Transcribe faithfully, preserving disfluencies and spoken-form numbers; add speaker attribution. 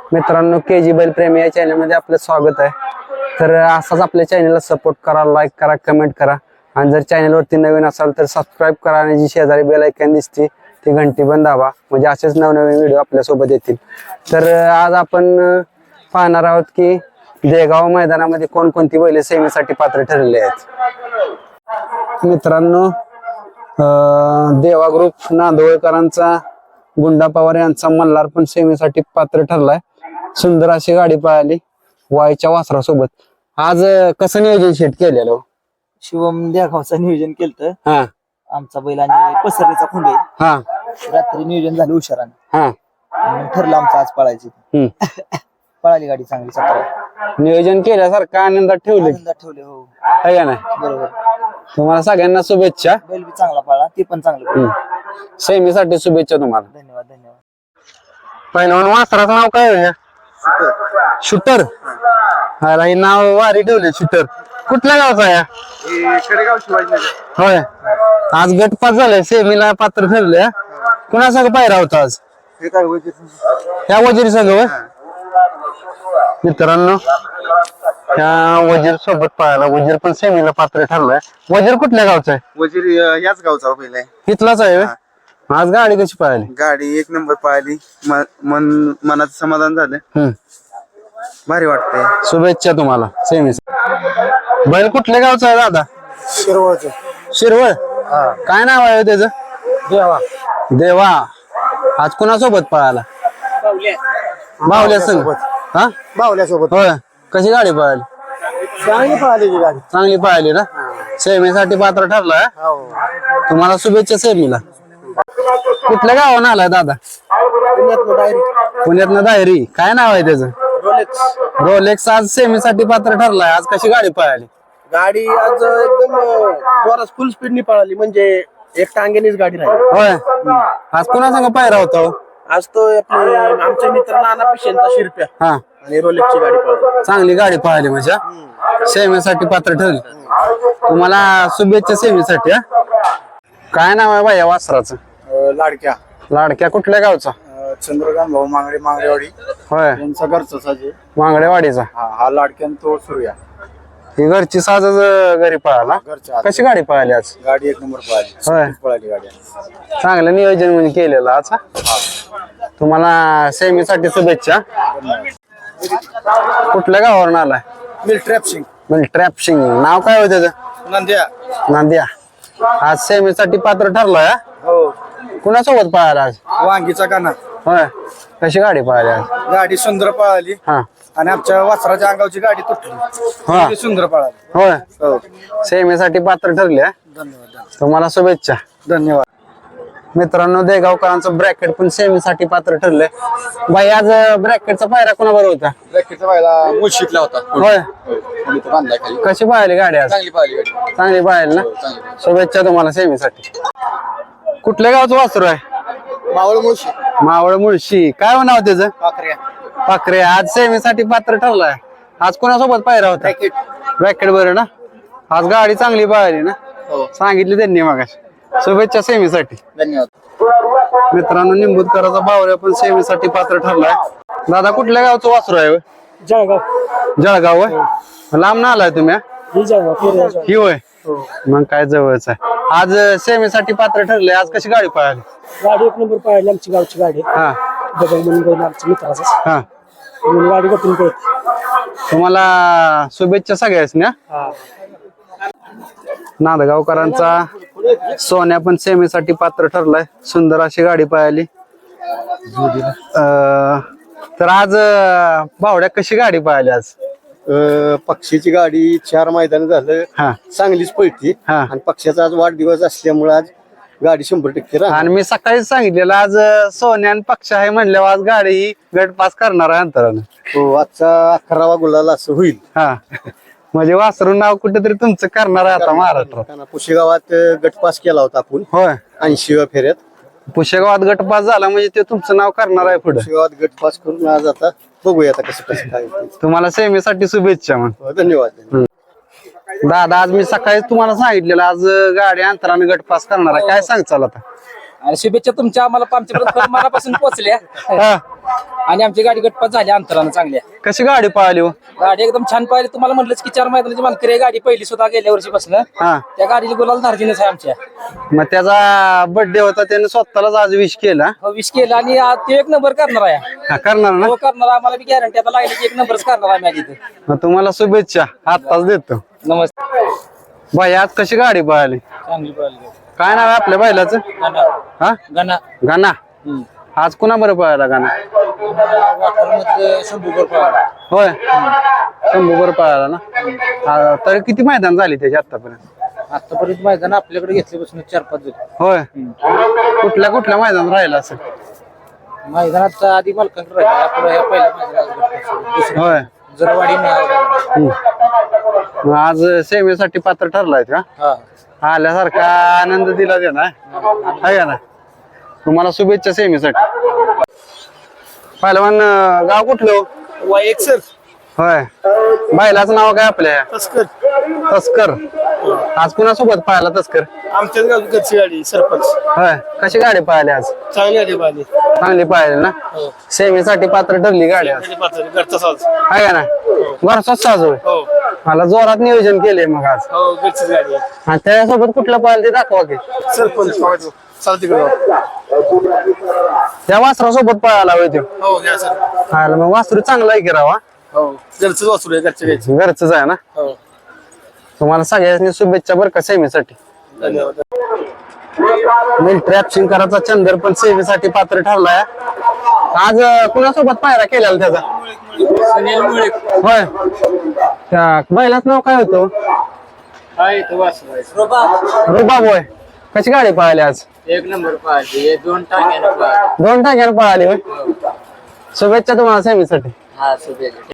Speaker 1: मित्रांनो, के जी बैल प्रेमी या चॅनल मध्ये आपलं स्वागत आहे। तर असाच आपल्या चॅनलला सपोर्ट करा, लाईक करा, कमेंट करा आणि जर चॅनल वरती नवीन असाल तर सबस्क्राइब करा आणि जी शेजारी बेल आयकॉन दिसते ती घंटी पण दाबा, म्हणजे असेच नवनवीन व्हिडिओ आपल्या सोबत येतील। तर आज आपण पाहणार आहोत की देगाव मैदानामध्ये कोणकोणती बैल सेमीसाठी पात्र ठरलेले आहेत। मित्रांनो, देवा ग्रुप नांदवळकरांचा गुंडा पवार यांचा मल्हार पण सेमीसाठी पात्र ठरलाय। सुंदर अशी गाडी पळाली वायच्या वासरासोबत। आज कसं नियोजन सेट केलेलं?
Speaker 2: शिवम देगावचं नियोजन केलं।
Speaker 1: हा,
Speaker 2: आमचा बैल आणि पसरणीचा खुंडे
Speaker 1: हा,
Speaker 2: रात्री नियोजन झालं उशिराने।
Speaker 1: हा,
Speaker 2: आणि ठरलं आमचं आज पळायची।
Speaker 1: हम्म
Speaker 2: पळाली गाडी चांगली सतरा।
Speaker 1: नियोजन केल्यासारखं आनंदात ठेवले
Speaker 2: आनंदात ठेवले हो,
Speaker 1: आहे का नाही?
Speaker 2: बरोबर।
Speaker 1: तुम्हाला सगळ्यांना शुभेच्छा।
Speaker 2: बैल बी चांगला पळाला, ते पण चांगलं पळालं।
Speaker 1: सेमीसाठी शुभेच्छा तुम्हाला।
Speaker 2: धन्यवाद धन्यवाद।
Speaker 1: पहिलवान वासराचं नाव काय आहे? शूटर। अरे हे नाव वारी ठेवले, शूटर। कुठल्या गावचा आहे?
Speaker 2: कडेगाव शिवाजीनगर।
Speaker 1: होय, आज गट पास झाले, सेमीला पात्र ठरले। कुणा संग पायरा होता आज? ह्या वजीर संघ होय? मित्रांनो, ह्या वजीर सोबत पाहायला वजीर पण सेमीला पात्र ठरलाय। वजीर कुठल्या गावचा आहे?
Speaker 3: वजीर याच गावचा पहिला आहे।
Speaker 1: इथलाच आहे होय? आज गाडी कशी पाहिली?
Speaker 3: गाडी एक नंबर पाहिली, मन मनाचं समाधान झालं,
Speaker 1: हम्म,
Speaker 3: भारी वाटतंय।
Speaker 1: शुभेच्छा तुम्हाला सेमी। बैल कुठल्या गावचा आहे दादा?
Speaker 2: शिरवळचं।
Speaker 1: शिरवळ। काय नाव आहे त्याचं?
Speaker 2: देवा।
Speaker 1: देवा। आज कुणासोबत पळाला? बावल्या संग। हा,
Speaker 2: बावल्यासोबत।
Speaker 1: होय, कशी गाडी पळाली?
Speaker 2: चांगली पळाली की गाडी।
Speaker 1: चांगली पाहिली ना? सेमीसाठी पात्र ठरलाय। तुम्हाला शुभेच्छा सेमीला। कुठल्या गावाहून आलाय दादा? पुण्यातनं दायरी। काय नाव आहे त्याचं?
Speaker 2: रोलेक्स।
Speaker 1: रोलेक्स आज सेमीसाठी पात्र ठरलाय। आज कशी गाडी पळाली?
Speaker 2: गाडी आज एकदम जोरात फुल स्पीडनी पळाली, म्हणजे एक टांगेनीच गाडी राहिली।
Speaker 1: होय, आज कुणा संग पायरा होता हो?
Speaker 2: आज तो आपले आमचे मित्र नाना पिशेंचा शिरप्या
Speaker 1: हा,
Speaker 2: आणि रोलेक्सची गाडी पळाली।
Speaker 1: चांगली गाडी पळाली म्हणजे सेमीसाठी पात्र ठरली। तुम्हाला शुभेच्छा सेमीसाठी। हा, काय नाव आहे बाया वासराचं?
Speaker 3: लाडक्या
Speaker 1: लाडक्या। कुठल्या गावचा?
Speaker 3: चंद्रकांत भाऊ मांगडे मांगडेवाडी
Speaker 1: होय,
Speaker 3: यांचा घरचा साजे।
Speaker 1: मांगडेवाडीचा।
Speaker 3: हा हा लाडक्यान तो सूर्या।
Speaker 1: ही घरची साजच घरी पळाला।
Speaker 3: घरच्या
Speaker 1: कशी गाडी पळाली आज?
Speaker 3: गाडी एक नंबर पळाली,
Speaker 1: होय,
Speaker 3: पळाली गाडी।
Speaker 1: चांगलं नियोजन म्हणजे केलेलं आज। हा? तुम्हाला सेमीसाठी शुभेच्छा। कुठल्या गावावरून आलाय?
Speaker 2: मिल ट्रॅप सिंग।
Speaker 1: म्हणजे ट्रॅप सिंग। नाव काय होतं त्याचं?
Speaker 2: नंद्या।
Speaker 1: नांदिया। आज सेमीसाठी पात्र ठरलोय।
Speaker 2: हो,
Speaker 1: कुणासोबत पळाला आज?
Speaker 2: वांगीचा काना।
Speaker 1: होय, कशी गाडी पळाली आज?
Speaker 2: गाडी सुंदर पळाली
Speaker 1: हा,
Speaker 2: आणि आमच्या वासराच्या अंगावची गाडी तुटली,
Speaker 1: हा,
Speaker 2: ती सुंदर पळाली।
Speaker 1: होय,
Speaker 2: हो,
Speaker 1: सेमीसाठी पात्र ठरले।
Speaker 2: धन्यवाद
Speaker 1: तुम्हाला शुभेच्छा।
Speaker 2: धन्यवाद।
Speaker 1: मित्रांनो, देगावकरांचं ब्रॅकेट पण सेमीसाठी पात्र ठरले। बाई, आज ब्रॅकेटचा पायरा कोणाबरोबर होता?
Speaker 3: ब्रॅकेटचा व्हायला मुळशीतला होता।
Speaker 1: होय,
Speaker 3: बांधलाय खाली।
Speaker 1: कशी पाहिली गाडी आज?
Speaker 3: चांगली पाहिली गाडी।
Speaker 1: चांगली पाहिली ना? शुभेच्छा तुम्हाला सेमीसाठी। कुठल्या गावचं वासरू आहे?
Speaker 2: मावळ मुळशी।
Speaker 1: मावळ मुळशी। काय हो नाव त्याचं?
Speaker 2: पाखऱ्या।
Speaker 1: पाखरे। आज सेमीसाठी पात्र ठरलाय। आज कोणासोबत पायरा होता? ब्रॅकेट बरं ना? आज गाडी चांगली पाहिली ना? सांगितली त्यांनी मगाशी। शुभेच्छा सेमीसाठी।
Speaker 2: धन्यवाद।
Speaker 1: मित्रांनो, निंबूतकराचा बावऱ्या पण सेमीसाठी पात्र ठरलाय। दादा, कुठल्या गावचं वासरू आहे?
Speaker 2: जळगाव।
Speaker 1: जळगाव होय? लांब ना आलाय तुम्ही?
Speaker 2: ही जळगाव।
Speaker 1: ही होय, मग काय जवळच आहे। आज सेमीसाठी पात्र ठरले। आज कशी गाडी पळाली?
Speaker 2: गाडी एक नंबर पळाली, आमची गावची गाडी।
Speaker 1: हा,
Speaker 2: बदल म्हणून बैल आमच्या मित्राचा,
Speaker 1: हा,
Speaker 2: म्हणून गाडी गटून पळत।
Speaker 1: तुम्हाला शुभेच्छा सगळ्याच ना? नांदगावकरांचा सोन्या पण सेमीसाठी पात्र ठरलाय। सुंदर अशी गाडी पळाली। अं, तर आज बावड्या कशी गाडी पळाली आज?
Speaker 3: पक्षीची गाडी चार मैदान झालं,
Speaker 1: हा,
Speaker 3: चांगलीच पळती।
Speaker 1: हा,
Speaker 3: आणि पक्षाचा आज वाढदिवस असल्यामुळे आज गाडी शंभर टक्के राहणार।
Speaker 1: आणि मी सकाळीच सांगितलेलं आज सोन्या आणि पक्ष आहे म्हणल्यावर आज गाडी ही गट पास करणार आहे अंतरानं।
Speaker 3: हो, आजचा अकरावा गुलाल असं होईल।
Speaker 1: हा, म्हणजे वासरून नाव कुठेतरी तुमचं करणार आहे आता महाराष्ट्रात।
Speaker 3: पुशेगावात गट पास केला होता आपण
Speaker 1: होय,
Speaker 3: ऐंशीव्या फेऱ्यात।
Speaker 1: पुशेगावात गट पास झाला म्हणजे ते तुमचं नाव करणार आहे पुढे।
Speaker 3: पुशेगावात गट पास करून आज आता बघूया आता कसं कसं काय होतंय।
Speaker 1: तुम्हाला सेमीसाठी शुभेच्छा मग।
Speaker 3: हो, धन्यवाद।
Speaker 1: दादा, आज मी सकाळी तुम्हाला सांगितलेलं आज गाडी अंतराने गट पास करणार आहे, काय सांगचाल आता?
Speaker 4: आणि शुभेच्छा तुमच्या आम्हाला आमच्यापर्यंत मनापासून पोहोचल्या
Speaker 1: हा
Speaker 4: आणि आमची गाडी गटपात झाली अंतरानं चांगल्या.
Speaker 1: कशी गाडी पळाली हो
Speaker 4: गाडी एकदम छान पाहिली. तुम्हाला म्हटलंच की चार मैदानाची मानकरी आहे गाडी पहिली स्वतः गेल्या वर्षी बसलं.
Speaker 1: हा
Speaker 4: त्या गाडीची गुलाल धार्जिनच आहे आमच्या.
Speaker 1: मग त्याचा बर्थडे होता त्याने स्वतःलाच आज विश केला
Speaker 4: हो, विश केला आणि आज ते एक नंबर करणार आहे.
Speaker 1: हा, करणार ना
Speaker 4: हो करणार. आम्हाला बी गॅरंटी आता लागली की एक नंबरच करणार आहे मॅच इथं.
Speaker 1: मग तुम्हाला शुभेच्छा आत्ताच देतो.
Speaker 4: नमस्ते.
Speaker 1: बाई आज कशी गाडी पळाली
Speaker 4: चांगली पळाली.
Speaker 1: काय नाव आहे आपल्या बैलाचं
Speaker 4: गणा
Speaker 1: हा
Speaker 4: गणा
Speaker 1: गाणा आज कुणा बरं पळाला गाणा
Speaker 4: वाठारमधले शंभूकर पळाला.
Speaker 1: होय शंभू बरं पळाला ना हा, तर किती मैदान झाली त्याची आतापर्यंत
Speaker 4: आतापर्यंत मैदान आपल्याकडे घेतल्यापासून चार पाच झाली.
Speaker 1: होय कुठल्या कुठल्या मैदान राहिला असं
Speaker 4: मैदानात आधी मालकांकडे राहिले. आपलं ह्या पहिल्या मैदानात
Speaker 1: होय
Speaker 4: जरवाडी
Speaker 1: हम्म. मग आज सेवेसाठी पात्र ठरलाय का
Speaker 4: हा
Speaker 1: आल्यासारखा आनंद दिला दे ना आहे का ना तुम्हाला शुभेच्छा सेमीसाठी. पहिलवान अं, गाव कुठलं
Speaker 2: वा एक सर
Speaker 1: होय बैलाचं नाव काय आपल्या
Speaker 2: तस्कर
Speaker 1: तस्कर आज कुणासोबत पाहिला तस्कर
Speaker 2: आमच्याच गावची गाडी सरपंच
Speaker 1: होय कशी गाडी पाहिली आज
Speaker 2: चांगली आली पाहिली
Speaker 1: चांगली पाहिली ना सेमीसाठी पात्र ठरली गाडी आज
Speaker 2: घरचा साज
Speaker 1: आहे का ना घरचाच साज होय
Speaker 2: हो
Speaker 1: मला जोरात नियोजन केले मग आज
Speaker 2: हो घरचीच गाडी आहे
Speaker 1: आणि त्याच्यासोबत कुठलं पाहिलं ते दाखवा की
Speaker 2: सरपंच चालते तिकडे
Speaker 1: त्या वासरासोबत पळाला होय तो
Speaker 2: हो घ्या सर
Speaker 1: आला मग वासरू चांगला आहे की राव हा?
Speaker 2: हो घरचंच वासरू आहे घरच्या घ्यायचं
Speaker 1: घरचंच आहे ना
Speaker 2: हो
Speaker 1: तुम्हाला सगळ्यांनी शुभेच्छा बरं का सेमीसाठी.
Speaker 2: धन्यवाद.
Speaker 1: मिलिटरी ऍप्शिंकराचा चंदर पण सेवेसाठी पात्र ठरलाय आज अं, कुणासोबत पायरा केलेला त्याचा
Speaker 4: सुनील मुळे
Speaker 1: होय त्या बैलाच नाव काय होतं
Speaker 4: काय तो वासरू
Speaker 1: रुबाब होय कशी गाडी पळाली आज
Speaker 4: एक नंबर पाहिजे दोन टांग्यानं पाहिजे.
Speaker 1: दोन टाक्यानं पळाली होय शुभेच्छा तुम्हाला सेमीसाठी.
Speaker 4: हा शुभेच्छा.